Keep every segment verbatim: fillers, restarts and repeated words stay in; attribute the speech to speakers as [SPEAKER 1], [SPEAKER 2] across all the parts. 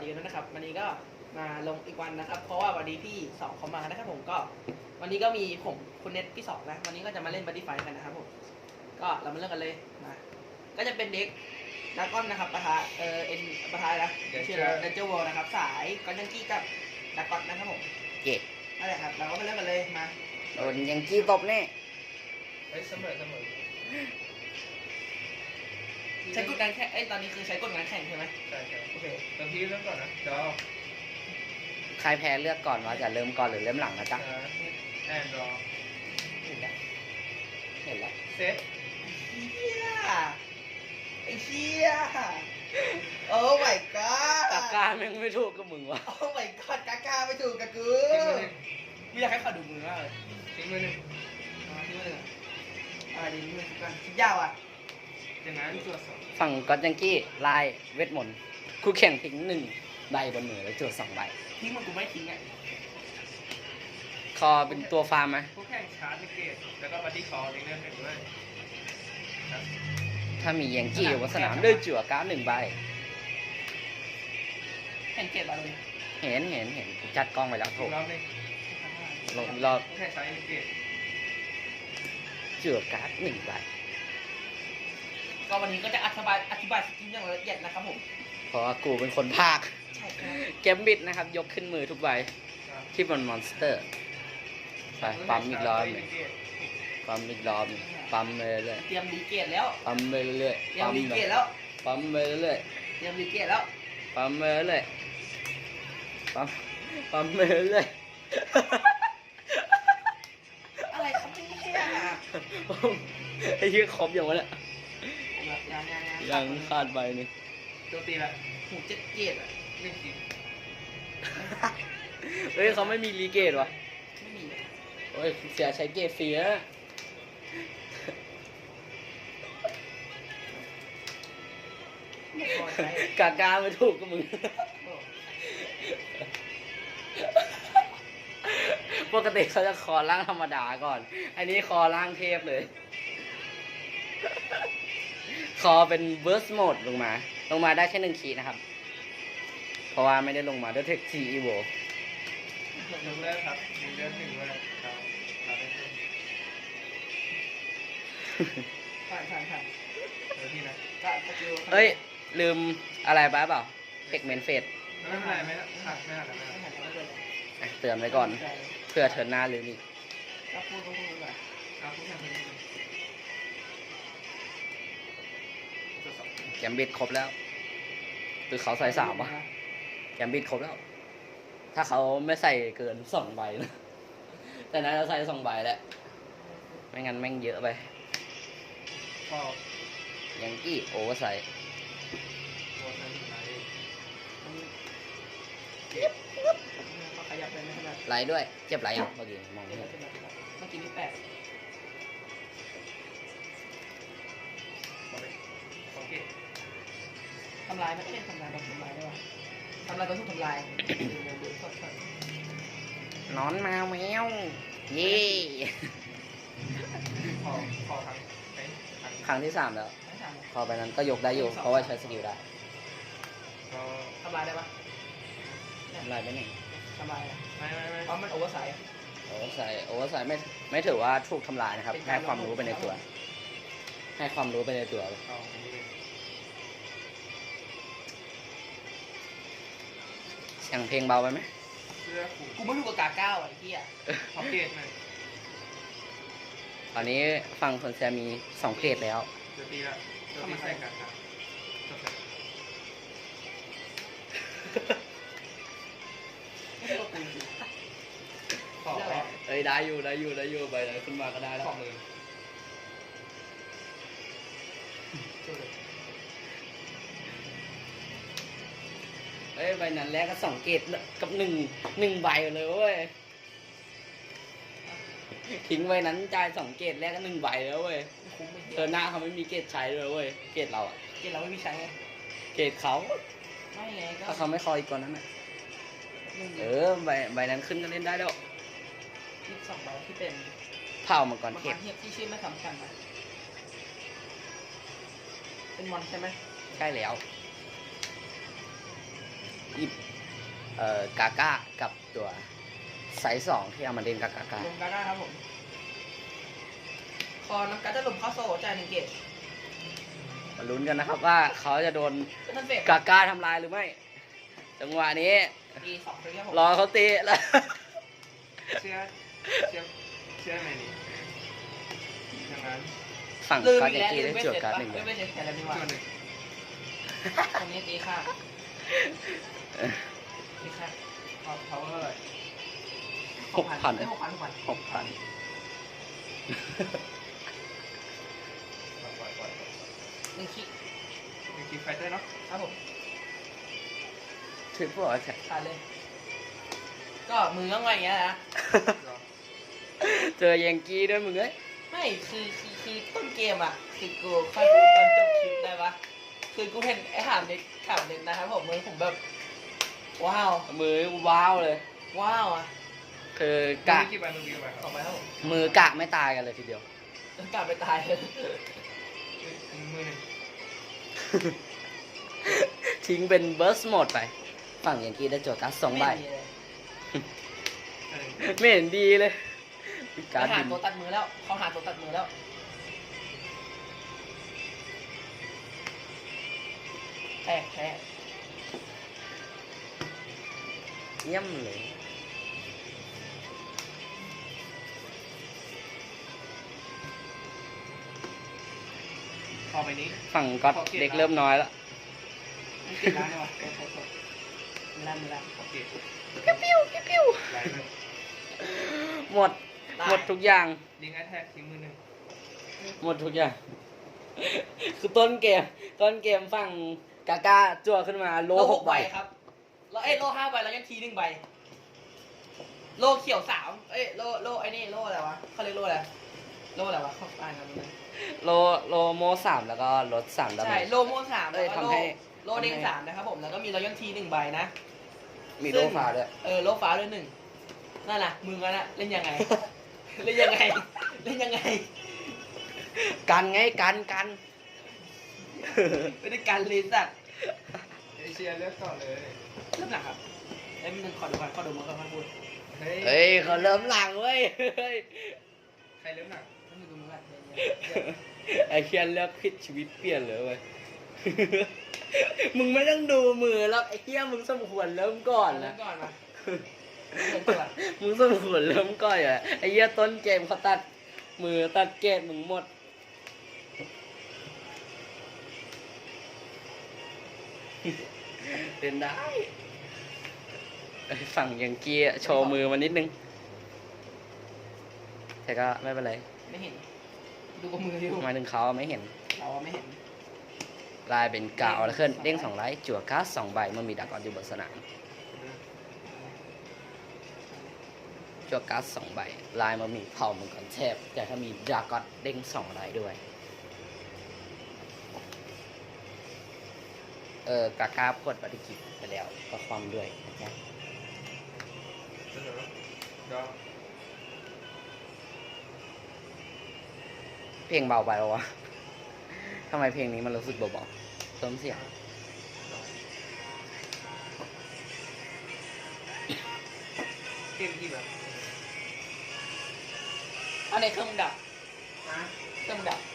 [SPEAKER 1] ดีกันด้วยนะครับวันนี้ก็มาลงอีกวันนะครับ เพราะว่าวันนี้พี่สองเขามานะครับผมก็วันนี้ก็มีผมคุณเน็ตพี่สองนะวันนี้ก็จะมาเล่นบัตตี้ไฟกันนะครับผมก็เรามาเริ่มกันเลยมาก็จะเป็นเด็กดักก้อนนะครับปะทะเออเอ็นปะทะนะชื่ออะไรเดนเจอร์วอลนะครับสายกอนยังกี้กับดักก้อนนะครับผม
[SPEAKER 2] เย่
[SPEAKER 1] นั่นแหละครับเราก็มาเริ่มกันเลยมา
[SPEAKER 2] โดนยังกี้ตบแน่
[SPEAKER 3] เฮ้ยเสมอเสมอ
[SPEAKER 1] ใช้กฎการแข่งเอ้ยตอนนี้คือใช้กฎการแข่งใช่ไหม
[SPEAKER 3] ใช่ใช่
[SPEAKER 1] โอเค
[SPEAKER 3] ตอนพี่เริ่มก่อนนะดอ
[SPEAKER 2] ใครแพ้เลือกก่อนว่าจะเริ่มก่อนหรือเริ่มหลังนะจ๊ะ
[SPEAKER 3] แอนดรอ
[SPEAKER 1] เห็นแล้ว
[SPEAKER 2] เห็นแล้ว
[SPEAKER 3] เซต
[SPEAKER 1] เฮียไอ้เฮียโอ้ my god
[SPEAKER 2] ตาการแม่งไม่ถูกกับมึงวะ
[SPEAKER 1] โอ้ my god กากาไม่ถูกกับกู
[SPEAKER 3] ทิ้งมือหนึ่ง
[SPEAKER 1] ไม่อยากให้เขาดูมือมากเลย
[SPEAKER 3] ทิ้งมือหนึ่ง
[SPEAKER 1] มาที่มืออะไรดีมือกันคิดยาวอ่ะ
[SPEAKER 3] อย่างนั้นตัวสอง
[SPEAKER 2] ฝั่งก็ยังกี้ลายเวทมนต์คู่แข่งทิ้งหนึ่งใบบนมือแล้วจุดสองใบ
[SPEAKER 1] ทิ้งมันกูไม่ทิ้งอ่ะ
[SPEAKER 2] คอเป็นตัวฟาร์มไหม
[SPEAKER 3] ผู้แข่งชาร์จเกตแล้วก็บัดดี้คอทิ้งเล่นเป็นด้วยครับ
[SPEAKER 2] ถ้ามียังกี้อยู่บนสนามด้วยจั่วการ์ดหนึ่งใบ
[SPEAKER 1] เห็นเกตบอลเลย
[SPEAKER 2] เห็นเห็นเห็นกูจัดกล้องไปแล้วโถ
[SPEAKER 3] อีกรอบหนึง
[SPEAKER 2] ลงรอบ
[SPEAKER 3] ผู้แข่งชาร์จเกต
[SPEAKER 2] จั่วการ์ดหนึ่งใบ
[SPEAKER 1] ก็วันนี้ก็จะอธิบายอธิบายสกิลอย่างละเอียดนะครับผม
[SPEAKER 2] เพราะว่ากูเป็นคนภาค
[SPEAKER 1] ใช่ครับ
[SPEAKER 2] เกมบิดนะครับ ยกขึ้นมือทุกใบที่บนมอนสเตอร์ไปปั๊มอีกรอบหนึ่งปั๊มอีกรอบหนึ่งปั๊มไปเรื่อย
[SPEAKER 1] เตรียมดีเกตแล้ว
[SPEAKER 2] ๆปั๊มไปเรื่อย
[SPEAKER 1] เตรี
[SPEAKER 2] ๆ
[SPEAKER 1] ยม
[SPEAKER 2] ปั๊ม
[SPEAKER 1] ดี
[SPEAKER 2] ไป
[SPEAKER 1] เกตแล้ว
[SPEAKER 2] ปั๊มไปเรื่อย
[SPEAKER 1] เตรียมดีเกตแล้ว
[SPEAKER 2] ๆปั๊มไปเรื่อยๆปั๊มปั๊มไปเรื่อย
[SPEAKER 1] อะไรครับเนี่ย
[SPEAKER 2] ๆไอ้เหี้ยครบอย่างวะเนี่ย
[SPEAKER 1] ยังยังยัง
[SPEAKER 2] ยังขาดใบหนึง
[SPEAKER 3] โจมตีละ
[SPEAKER 1] หูเจ็ดเกตอ่ะ
[SPEAKER 3] หนึ่งที
[SPEAKER 2] เฮ้ยเขาไม่มีรีเกตวะ
[SPEAKER 1] ไม่มี
[SPEAKER 2] โอ้ยเสียใช้เกตฟรีนะ
[SPEAKER 1] ไม่พอใช้
[SPEAKER 2] กากาไม่ถูกกับมึง ปกติเขาจะคอร่างธรรมดาก่อน อันนี้คอร่างเทพเลย คอเป็นเบิร์สโหมดลงมา ลงมาได้แค่หนึ่งขีดนะครับ เพราะว่าไม่ได้ลงมาด้วยเทคทีอีโว
[SPEAKER 3] ยกเลิกครับยกเลิกหนึ่งเลยเราเราได้เพิ่ม
[SPEAKER 1] ผ่านผ่านผ่าน
[SPEAKER 3] เดี๋ยวพี่นะ
[SPEAKER 1] ก็สกิล
[SPEAKER 2] เอ้ย ลืมอะไรไปเปล่าเทคเมนเฟส
[SPEAKER 3] ไม่เป็นไรไม่หักไม่หักไม่
[SPEAKER 1] ไม่
[SPEAKER 3] หัก
[SPEAKER 1] หันไม่เป็นไร
[SPEAKER 2] เตือนไว้ก่อน เพื่อเทิร์นหน้าลืมอีก
[SPEAKER 1] ก็พูดก็พูดไป
[SPEAKER 3] เอาผู้แข่งคนนี้ตัวสอง
[SPEAKER 2] แกมบิดครบแล้วคือเขาใส่สามวะแกมบิดครบแล้ว ถ้าเขาไม่ใส่เกินสองใบนะ แต่น่าจะใส่สองใบแหละ ไม่งั้นแม่งเยอะไป
[SPEAKER 3] พอ
[SPEAKER 2] ยังกี้โอเวอร์ไซส์
[SPEAKER 3] ตัวใช้หนึ่งไลท์
[SPEAKER 1] ก็ขยับไปไม่ขนาด
[SPEAKER 2] ไลท์ด้วย เจ็บไหลอ่ะเมื่อกี้มองไม่เห็น
[SPEAKER 1] เมื่อกี้นี่แปด
[SPEAKER 3] โอเคโอเค
[SPEAKER 1] ทำลายไม่ได้ทำลายโดนทำลายได้ป่ะทำลายก็ถูกทำลายดูดูสดสด
[SPEAKER 2] นอนมาแมวเย่
[SPEAKER 3] พอพอทั้งไอ้ทั้ง
[SPEAKER 2] ครั้งที่สามแล้ว
[SPEAKER 1] ไม่ทำ
[SPEAKER 2] พอไปนั้นก็ยกได้อยู่ เพราะว่าใช้สกิลได้
[SPEAKER 3] ก็
[SPEAKER 1] ทำลายได้ปะ
[SPEAKER 2] ทำลายไปหนึ่ง
[SPEAKER 1] ทำลาย
[SPEAKER 3] ไม่ไม่ไม่
[SPEAKER 1] เพราะมันโอเวอร์ไซส์
[SPEAKER 2] โอเวอร์ไซส์โอเวอร์ไซส์ไม่ไม่ถือว่าถูกทำลายนะครับ ให้ความรู้ไปในตัว ให้ความรู้ไปในตัว
[SPEAKER 3] เอาอันนี้เลย
[SPEAKER 2] เสียงเพลงเบาไปไหม
[SPEAKER 3] เสื้อผูก
[SPEAKER 1] กูไม่รู้กับกาเก้าไอ้เหี้ย
[SPEAKER 3] พ็อกเกตหน่อย
[SPEAKER 2] ตอนนี้ฟังคนแซมมีสองเกรดแล้ว
[SPEAKER 3] เดี๋ยวตีละเดี๋ยวตีใส่กันครับจบเลย
[SPEAKER 1] ไม่ใช่ตัวกู
[SPEAKER 3] ขอ
[SPEAKER 2] เอ้ยได้อยู่ได้อยู่ได้อยู่ไปเลยขึ้นมาก็ได้แล้ว
[SPEAKER 3] ขอมือจบเลย
[SPEAKER 2] เอ้ยใบนั้นแรกก็สองเกตกับหนึ่งหนึ่งใบเลยเว้ยทิ้งไว้นั้นจ่ายสองเกตแรกก็หนึ่งใบแล้วเว้ย
[SPEAKER 1] คุ้มไม่
[SPEAKER 2] เธอหน้าเขาไม่มีเกตใช้เลยเว้ยเกตเราอะ
[SPEAKER 1] เกณฑ์เราไม่มีใช้ไง
[SPEAKER 2] เกตเขา
[SPEAKER 1] ไม่ไงก็
[SPEAKER 2] ถ้าเขาไม่คอยอีกก่อนนั้นน่ะเออใบใบนั้นขึ้นก็เล่นได้แล้ว
[SPEAKER 1] ยี่สิบสองใบที่เป็น
[SPEAKER 2] เผ่ามังกร
[SPEAKER 1] มัง
[SPEAKER 2] เท
[SPEAKER 1] ก
[SPEAKER 2] พ
[SPEAKER 1] รเทียบที่ชื่อไม่สำคัญนะเป็นมอนใช่ไหม
[SPEAKER 2] ใช่แล้วหยิบเอ่อกาก้ากับตัวไซส์สองที่เอามาเล่นกับกาก้า
[SPEAKER 1] ลงกาก้าครับผมคอน้ำการ์ดจะหลุมเข้าโซ่จ่ายหนึ่งเกต
[SPEAKER 2] มาลุ้นกันนะครับว่าเขาจะโดน
[SPEAKER 1] เป็นทันเฟส
[SPEAKER 2] กาก้าทำลายหรือไม่ จังหวะนี้
[SPEAKER 1] ตีสองเลยครับผม
[SPEAKER 2] รอเขาตีแล้ว
[SPEAKER 3] เชื่อเชื่อเชื่อไหมนี่ดังนั้น
[SPEAKER 2] ฝั่ง
[SPEAKER 1] ลืม
[SPEAKER 2] การ
[SPEAKER 1] อี
[SPEAKER 2] ยั
[SPEAKER 1] ก
[SPEAKER 2] ง
[SPEAKER 1] แล้ว
[SPEAKER 2] กี้
[SPEAKER 1] ลื
[SPEAKER 2] ได้
[SPEAKER 1] มไม่
[SPEAKER 2] จ
[SPEAKER 1] เส
[SPEAKER 2] ว
[SPEAKER 1] ร็
[SPEAKER 2] ด
[SPEAKER 1] จ
[SPEAKER 2] การ์ด
[SPEAKER 1] ปะ
[SPEAKER 2] หนึ่ง
[SPEAKER 1] ลื
[SPEAKER 2] เล
[SPEAKER 1] ม
[SPEAKER 2] ย
[SPEAKER 1] ไม่เสร็จแต่ละดีกว่า
[SPEAKER 3] ตัวหนึ่ง
[SPEAKER 1] ตรงนี้ตีค่าตีค่า
[SPEAKER 3] พอ power เท่าไหร่
[SPEAKER 2] หกพัน
[SPEAKER 1] ได้หกพันหกพัน
[SPEAKER 2] หกพัน
[SPEAKER 3] ปล่อยปล่อยปล่อยปล่อย
[SPEAKER 1] หนึ่งคิก
[SPEAKER 3] มีคิกไฟเตอร์เนาะ
[SPEAKER 1] ครับผม
[SPEAKER 2] ทริปเปิลแท็ก
[SPEAKER 1] ขาดเลย ก็มือต้องไงอย่างเงี้ยนะ
[SPEAKER 3] รอ
[SPEAKER 2] เจอยังกี้ด้วยมึงเอ้ย
[SPEAKER 1] ไม่คือคือคือต้นเกมอ่ะคือกูค่อยพูดตอนจบคลิปได้ปะคือกูเห็นไอ้ถามเด็กถามเด็กนะครับผมมือผมแบบ ว้าว
[SPEAKER 2] มือว้าวเลย
[SPEAKER 1] ว้าวอ่ะ
[SPEAKER 2] คือกะ
[SPEAKER 3] มีกี่ใบมึงมีกี่ใบค
[SPEAKER 1] ต่
[SPEAKER 3] รั
[SPEAKER 1] อบ ไปครับผม
[SPEAKER 2] มือกะไม่ตายกันเลยทีเดียว
[SPEAKER 1] แล้วกลับไปตายเลย
[SPEAKER 3] มือหนึ่ง
[SPEAKER 2] ทิ้งเป็นเบิร์สโหมดไป ฝั่งยังกี้ได้จวดการ์ดสองใบ
[SPEAKER 1] ไม่มีเลย
[SPEAKER 3] อันหนึ่ง
[SPEAKER 2] ไม่เห็นดีเลยมี
[SPEAKER 1] ไป
[SPEAKER 2] การ์ด
[SPEAKER 1] หา
[SPEAKER 2] บิน
[SPEAKER 1] ตัวตัดมือแล้วเขาหาตัวตัดมือแล้วแตกแพ้
[SPEAKER 2] เยี่ยมเลย
[SPEAKER 3] พอไปนี้
[SPEAKER 2] ฝั่งก็อดเด็กเริ่มน้อยแล้ว
[SPEAKER 1] มันติดร้านเลยวะโทษโทษโทษมีร้านมีร้าน
[SPEAKER 3] โอเค
[SPEAKER 2] ปิ้วปิ้วปิ้ว
[SPEAKER 3] ไลน์เลย
[SPEAKER 2] หมด หมดทุกอย่าง
[SPEAKER 3] ลิงก์แอทแทกทิ้งมือหนึ่ง
[SPEAKER 2] หมดทุกอย่าง คือต้นเกม ต้นเกมฝั่งกาก้าจั่วขึ้นมาโลหกใบ
[SPEAKER 1] ครับแล้วเอ้ยโลห้าใบแล้วยังทีหนึ่งใบ โลเขียวสามเอ้ยโลโลไอ้นี่โลอะไรวะเขาเรียกโลอะไรโลอะไรวะเขาอ่านกันเลย
[SPEAKER 2] โลโลโมสามแล้วก็ลดสามดาเม
[SPEAKER 1] ใช่
[SPEAKER 2] จ
[SPEAKER 1] โลโมสาม
[SPEAKER 2] เอ้
[SPEAKER 1] แล้ว
[SPEAKER 2] ย
[SPEAKER 1] ก็โล
[SPEAKER 2] ทำให้
[SPEAKER 1] โลเด้งสามนะครับผมแล้วก็มีรอยัลทีหนึ่งใบนะ
[SPEAKER 2] มีโลฟ้าด้วย
[SPEAKER 1] เออโลฟ้าด้วยหนึ่งนั่นน่ะมึงอะนะเล่นยังไง เล่นยังไง เล่นยังไง
[SPEAKER 2] กันไงกันกัน
[SPEAKER 1] ไม่ได้การเลยสัตว์
[SPEAKER 3] เอเชียเลือกก่อนเลย
[SPEAKER 1] เริ่มหลังครับไอ้ยมันหนึ่งขอดูก่อนขอดูมันก่อนค่อยพูด
[SPEAKER 3] เฮ้ย
[SPEAKER 2] เฮ้ยเขาเริ่มหลังเว้ยเฮ้ย
[SPEAKER 3] ใครเริ่มหนัก
[SPEAKER 1] มันอยู่ตรงนู้นแหละ
[SPEAKER 2] ไอเคียนเลือกผิดชีวิตเปลี่ยนเลยเว้ย มึงไม่ต้องดูมือแล้วไอ้เคียมึงสมควรเริ่มก่อน
[SPEAKER 1] เริ่
[SPEAKER 2] นะ
[SPEAKER 1] มก่อนมาเริ่มก่อน
[SPEAKER 2] มึงสมควรเริ่มก่อนอ่ะไอ้เหี้ยต้นเกมเขาตัดมือตัดเกตมึงหมด เป็นได้ไอ้ฝั่งยังกี้อะโชว์มือมานิดนึง แต่ก็ไม่เป็นไร
[SPEAKER 1] ไม่เห็น ดูกับมืออยู่
[SPEAKER 2] หมายถึงเขาไม่เห็น
[SPEAKER 1] เราอะไม่เห็น
[SPEAKER 2] ลายเป็นกาวแล้วขึ้นเด้งสองไลท์จั่วการ์ดสองใบเมื่อมีดากอนอยู่บนสนามจั่วการ์ดสองใบลายมันมีเผ่ามังกรเทพแต่ถ้ามีดากอนเด้งสองไลท์ด้วย เออกากาพดปฏิกิจไปแล้วก็ความด้วยนะจ๊ะ
[SPEAKER 3] เสนอดอ
[SPEAKER 2] เพลงเบาไปแล้ววะ ทำไมเพลงนี้มันรู้สึกเบาๆเติมเสียง
[SPEAKER 3] เกมที่แบบ
[SPEAKER 1] อันไหนเครื่องมึงดับ
[SPEAKER 3] นะ
[SPEAKER 1] เครื่องมึงดับ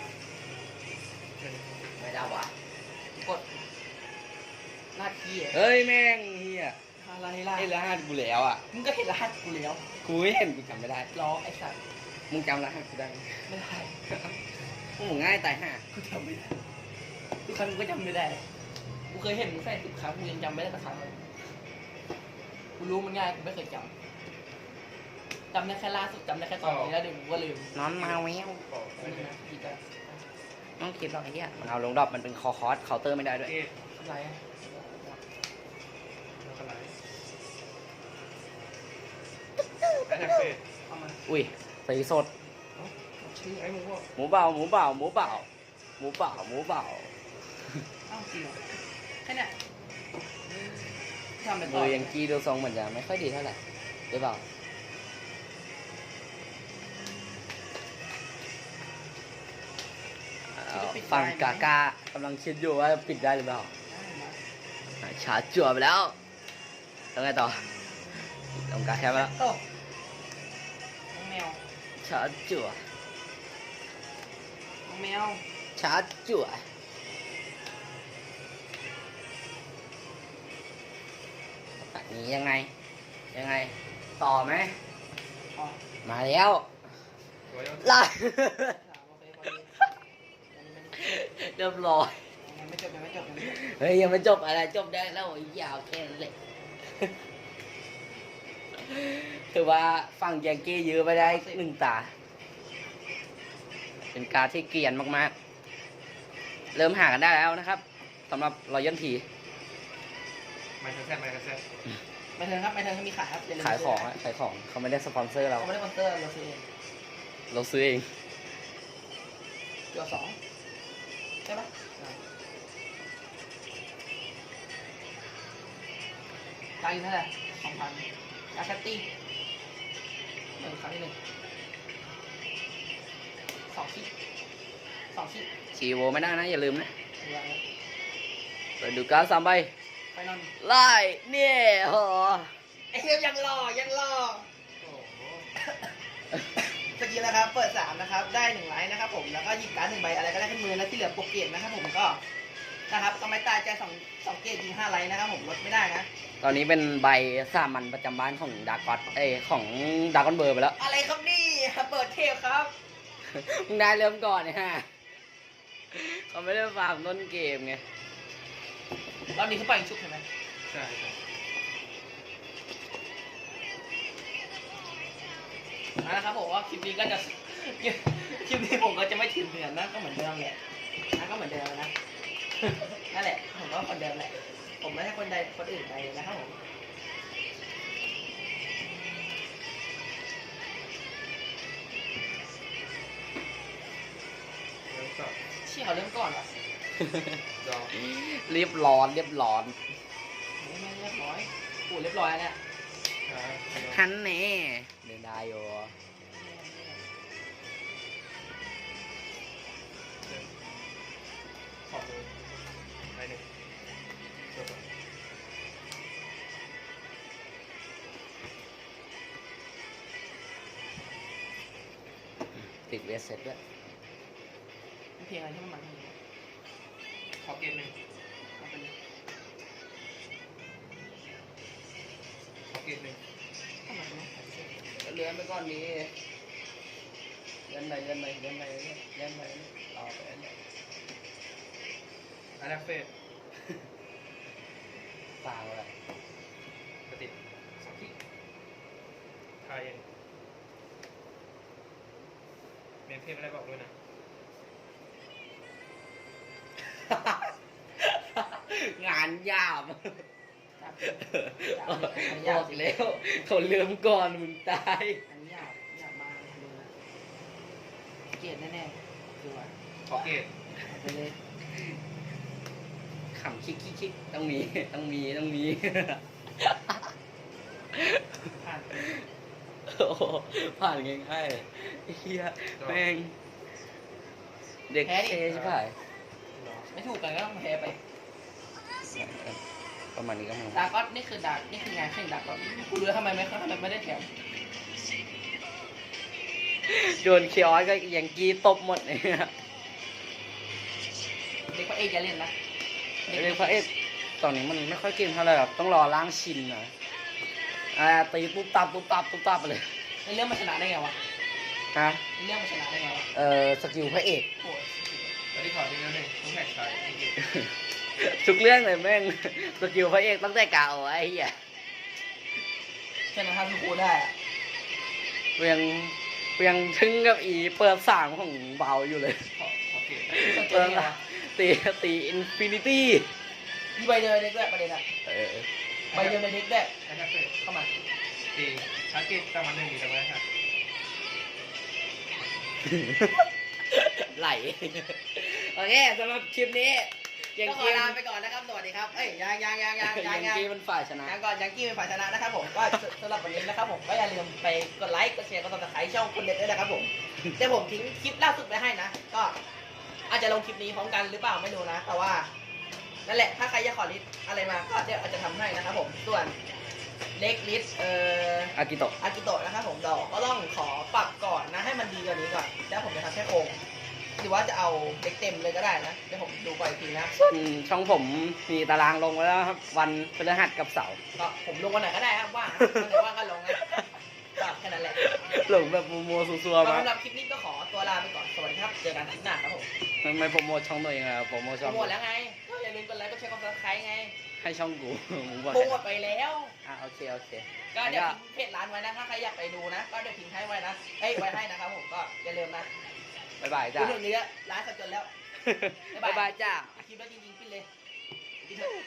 [SPEAKER 2] ไม่ได้วะ
[SPEAKER 1] กดหน้าที่อะ
[SPEAKER 2] เฮ้ยแม่งเฮีย
[SPEAKER 1] อะไรล่ะ
[SPEAKER 2] ไอ้รหัสกูแล้วอ่ะ
[SPEAKER 1] มึงก็เห็นรหัสกูแล้ว
[SPEAKER 2] กูไม่เห็นกูจำไม่ได้
[SPEAKER 1] ล้อไอ้สัตว์
[SPEAKER 2] มึงจำรหัสกูได้ไหม
[SPEAKER 1] ไม่ได้
[SPEAKER 2] พวกมึงง่ายตายห่า
[SPEAKER 1] กูจำไม่ได้ทุกครั้งกูก็จำไม่ได้กูเคยเห็นมึงใส่สิบครั้งกูยังจำไม่ได้สักครั้งเลยกูรู้มันง่ายกูไม่เคยจำจำได้แค่ล่าสุดจำได้แค่ตอนนี้แล้วเดี๋ยวกูก็ลืม
[SPEAKER 2] นอนมาแวว
[SPEAKER 3] บอก
[SPEAKER 1] ไม่
[SPEAKER 3] ไม่
[SPEAKER 1] ได้
[SPEAKER 3] ได้
[SPEAKER 1] นะพี่ก็
[SPEAKER 2] น้องคิดหรอกไอ้เหี้ยมันเอาลงดรอปมันเป็นคอคอสเคาน์เตอร์ไม่ได้ด้วย
[SPEAKER 3] เกม
[SPEAKER 1] อะไรอะ
[SPEAKER 3] แล้วก็ไลน์แอทแทกเฟส
[SPEAKER 1] เอามา
[SPEAKER 2] อุ้ยสีสด
[SPEAKER 1] ชื่อ
[SPEAKER 3] ไอ้หมูว่า
[SPEAKER 2] หมูเบาหมูเบาหมูเบาหมูเบาหมูเบา
[SPEAKER 1] เอ้าจริงเหรอแค่เนี้ยทำเป็นต่
[SPEAKER 2] มื
[SPEAKER 1] อ
[SPEAKER 2] อยังกีดูทรงเหมือนจะไม่ค่อยดีเท่าไหร่หรือเปล่าเอาฝั่งกากากำลังคิดอยู่ว่าปิดได้หรือเปล่า
[SPEAKER 1] ได้มา
[SPEAKER 2] อ่ะชาร์จจั่วไปแล้วแล้วไงต่อตรงกลางแคบไปแล้ว
[SPEAKER 1] โอ้น้องแมว
[SPEAKER 2] ชาร์จจั่ว
[SPEAKER 1] น้องแมว
[SPEAKER 2] ชาร์จจั่วแบบนี้ยังไงยังไงต่อไหม
[SPEAKER 1] พอ
[SPEAKER 2] มาแล้ว
[SPEAKER 3] สวยเอา
[SPEAKER 2] ไล่
[SPEAKER 1] สามโอเคพอดีอันนี้มัน
[SPEAKER 2] เรียบร้อย
[SPEAKER 1] ยังไม่จบยังไม่จบยังไม่จบ
[SPEAKER 2] เฮ้ยยังไม่จบอะไรจบได้แล้วไอ้ยาวแค่นั้นแหละคือว่าฝั่งยังกี้ยื้อไปได้หนึ่งตา เป็นการที่เกรียนมากๆ เริ่มหากันได้แล้วนะครับสำหรับรอยัลที
[SPEAKER 3] ไมค์แซดไมค์แซด
[SPEAKER 1] ไม่เทิงครับไม่เทิงเขามีขายครับอย่ลืม
[SPEAKER 2] ขายของ
[SPEAKER 1] ซื้
[SPEAKER 2] อะขายของเขาไม่ได้สปอนเซอร์เรา
[SPEAKER 1] เขาไม่ได้สปอนเซอร์เราซื้อเอง
[SPEAKER 2] เราซื้อเอง
[SPEAKER 1] เกือบสองใช่ปะตังค์อยู่เท่าไหร่สองพันยาแคตตี้หนึ่งครั้งที่หนึ่งสองชิ้นสองชิ้น
[SPEAKER 2] ชีโวไม่ได้นะ อย่าลืมนะ
[SPEAKER 1] เรือ
[SPEAKER 2] ไปดูการดสามใบ
[SPEAKER 1] ไปนอน
[SPEAKER 2] ไล่เนี่ยโห
[SPEAKER 1] ไอ้เหี้ยยังรอยังรอ
[SPEAKER 3] โอ้โห
[SPEAKER 1] สกิลนะครับ เปิดสามนะครับ ได้หนึ่งไลน์นะครับผม แล้วก็หยิบการ์ดหนึ่งใบอะไรก็ได้ขึ้นมือแล้วที่เหลือโปรเกตนะครับผมก็นะครับต้องไม่ตายใจสองสองเกตยิงห้าไลน์นะครับผมลดไม่ได้นะ
[SPEAKER 2] ตอนนี้เป็นใบสามัญประจำบ้านของดากอตเอ้ยของดากอนเบอร์ไปแล้ว
[SPEAKER 1] อะไรครับนี่เปิดเทปครับ
[SPEAKER 2] มึงได้เริ่มก่อนเนี่ยฮะเขาไม่ได้ฟาร์มต้นเกมไง
[SPEAKER 1] รอบนี้เขาปล่อยชุบใช่ไหม
[SPEAKER 3] ใช่ใช่
[SPEAKER 1] นะครับผมว่าคลิปนี้ก็จะ คลิปนี้ผมก็จะไม่ถึงเดือนนะก็เหมือนเดิมแหละนะก็เหมือนเดิมนะ นั่นแหละผมก็คนเดิมแหละผมไม่ใช่คนใดคนอื่นไปนะครับผม
[SPEAKER 3] เริ่มสับ
[SPEAKER 1] เชี่ยเขาเริ่มก่อนเหรอ
[SPEAKER 3] ดอก
[SPEAKER 2] เรียบร้อนเรียบร้อน
[SPEAKER 1] ไม่ไม่เรียบร้อยปูเรียบร้อยแล้วเนี่ย
[SPEAKER 3] ช้า
[SPEAKER 2] ฮันแน่เดินได้อยู่
[SPEAKER 3] ขอบเลยไปหนึ่งจบ
[SPEAKER 2] ติดเวสเซ็ตด้วย
[SPEAKER 1] เพลงอะไรที่มันมัน
[SPEAKER 3] ขอเกมหนึ่ง
[SPEAKER 1] เอาไปเลย
[SPEAKER 3] ขอเกมหนึ่ง
[SPEAKER 1] ทำไมไม่ใส่เสื้อ
[SPEAKER 2] เลื่อนไปก่อนนี้เลื่อนไปเลื่อนไปเลื่อนไปเลื่อนไปต่อไปเรื่อย
[SPEAKER 3] อันแรกเฟส
[SPEAKER 2] ฟางเลย
[SPEAKER 3] กระติดสองที่ทายเองเมนเพจไม่ได้บอกด้วยนะ
[SPEAKER 2] งานยาบ
[SPEAKER 1] จับเลยจับเลยอันนี้
[SPEAKER 2] บ
[SPEAKER 1] ยา
[SPEAKER 2] อก
[SPEAKER 1] สิ
[SPEAKER 2] แล้วเขาเลื่อมก่อนมึงตาย
[SPEAKER 1] อันนี้ยากยากมากเลยดูนะเกลียดแน่ๆคือว่า
[SPEAKER 3] ขอเกต
[SPEAKER 1] เอาไปเลย
[SPEAKER 2] ขำคิกคิกคิกต้องมีต้องมีต้องมี
[SPEAKER 1] ผ่านไป
[SPEAKER 2] โอ้โหผ่านง่ายๆเลยเฮียแม่งเด็กเทใช่ไหม
[SPEAKER 3] หรอ
[SPEAKER 1] ไม่ถูกกันก็ต้องแพ้ไป
[SPEAKER 2] ประมาณนี้ก็มัน
[SPEAKER 1] ดาร์กอสนี่คือดาร์กนี่คืองานแข่งดาร์กอสกูรู้แล้วทำไมไม่ทำไมไม่ได้แถม
[SPEAKER 2] โดนเคียร์ก็ยังกีตบหมดเนี่ย
[SPEAKER 1] เด็กพระเอกอย่าเล่นนะ
[SPEAKER 2] เรียกพระเอกตอนนี้มันไม่ค่อยเก่งเท่าไหร่หรอกต้องรอล้างชินนะอ่าตีปุ๊บตับปุ๊บตับปุ๊บตับไปเลย
[SPEAKER 1] ในเรื่องมันชนะได้ไงวะ
[SPEAKER 2] ฮะ
[SPEAKER 1] ในเรื่องมันชนะได้ไงวะ
[SPEAKER 2] เอ่อสกิลพระเอก
[SPEAKER 1] โอ้ย
[SPEAKER 3] แล้วที่ขอทีนั้นหนึ่งต้องแท็กชายเกต
[SPEAKER 2] ทุกเรื่องเลยแม่งสกิลพระเอกตั้งแต่เก่าไอ้เหี้ย
[SPEAKER 1] ชนะทำทุกคนได้อะ
[SPEAKER 2] เพียงเพียงถึงกับอีเปิดสามของเบาอยู่เลย
[SPEAKER 3] ขอขอเกต
[SPEAKER 1] สนใจ
[SPEAKER 2] เปิด
[SPEAKER 1] ได้ไงวะ
[SPEAKER 2] ตีตีอินฟินิตี้
[SPEAKER 1] มีใบเดียวในเด็กด้วยประเด็นอะ
[SPEAKER 2] เออ
[SPEAKER 1] ใบเดียวในเด็กด้วย
[SPEAKER 3] อันแรกเฟส
[SPEAKER 1] เข้ามา
[SPEAKER 3] ตีชาร์จเกตประมาณหนึ่งมีแต่ไม่ได้ค่ะ
[SPEAKER 2] ไหล โอเคสำหรับคลิปนี้ยัง
[SPEAKER 1] ก็ขอ
[SPEAKER 2] กี้
[SPEAKER 1] ลาไปก่อนนะครับ สวัสดีครับ เอ้ยยังยังยังยังยั
[SPEAKER 2] ยัง ง
[SPEAKER 1] ยัง
[SPEAKER 2] กี้มันฝ่ายชนะ
[SPEAKER 1] ยังก่อนยังกี้เป็นฝ่ายชนะนะครับผมก็สำหรับวันนี้นะครับผมก็อย่าลืมไปกดไลค์กดแชร์กดติดตามช่องคุณเด็ดด้วยนะครับผมเดี๋ยวผมทิ้งคลิปล่าสุดไปให้นะ ก็อาจจะลงคลิปนี้พร้อมกันหรือเปล่าไม่รู้นะ แต่ว่านั่นแหละถ้าใครอยากขอลิสต์อะไรมาก็เดี๋ยวอาจจะทำให้นะครับผมส่วนเล็กลิสต์เอ่อ
[SPEAKER 2] อากิโตะ
[SPEAKER 1] อากิโตะนะครับผมดอกก็ต้องขอปรับก่อนนะให้มันดีกว่านี้ก่อนแล้วผมจะทำแค่โครงหรือว่าจะเอาเด็กเต็มเลยก็ได้นะเดี๋ยวผมดูก่อนอีกทีนะ
[SPEAKER 2] ส่วนช่องผมมีตารางลงไว้แล้วครับ วันพฤหัสกับเสาร์
[SPEAKER 1] ก็ผมลงวันไหนก็ได้ครับว่างวันไหนว่างก็ลงนะก็แค่นั้นแหละ
[SPEAKER 2] หลงแบบมัวๆซัวๆมา
[SPEAKER 1] สำหรับคลิปนี้ก็ขอตัวลาไปก่อนสวัสดีครับเจอกันคลิปหน้าครับผม
[SPEAKER 2] ไม่โปรโมทช่องตัวเองอะโปรโมท
[SPEAKER 1] โป
[SPEAKER 2] ช่
[SPEAKER 1] ร
[SPEAKER 2] อง
[SPEAKER 1] โมทแล้วไงก็อย่าลืมกดไลค์กดแชร์กดซับสไครต์ไง
[SPEAKER 2] ให้ช่องกู มึงบอก
[SPEAKER 1] โปรโมทไปแล้ว
[SPEAKER 2] อ่ะโอเคโอเค
[SPEAKER 1] ก็เดี๋ยวทิ้งเพจร้านไว้นะถ้าใครอยากไปดูนะ ก็เดี๋ยวทิ้งให้ไว้นะเอ้ยไว้ให้นะครับผมก็อย่าลืมนะ
[SPEAKER 2] บ๊ายบาย
[SPEAKER 1] ดู
[SPEAKER 2] จ้า
[SPEAKER 1] เรื่องนี้ร้านสับจนแล้ว
[SPEAKER 2] บ๊ายบายจ้า
[SPEAKER 1] คลิปแล้วจริงๆปิ้นเลยปิ้นเถอะ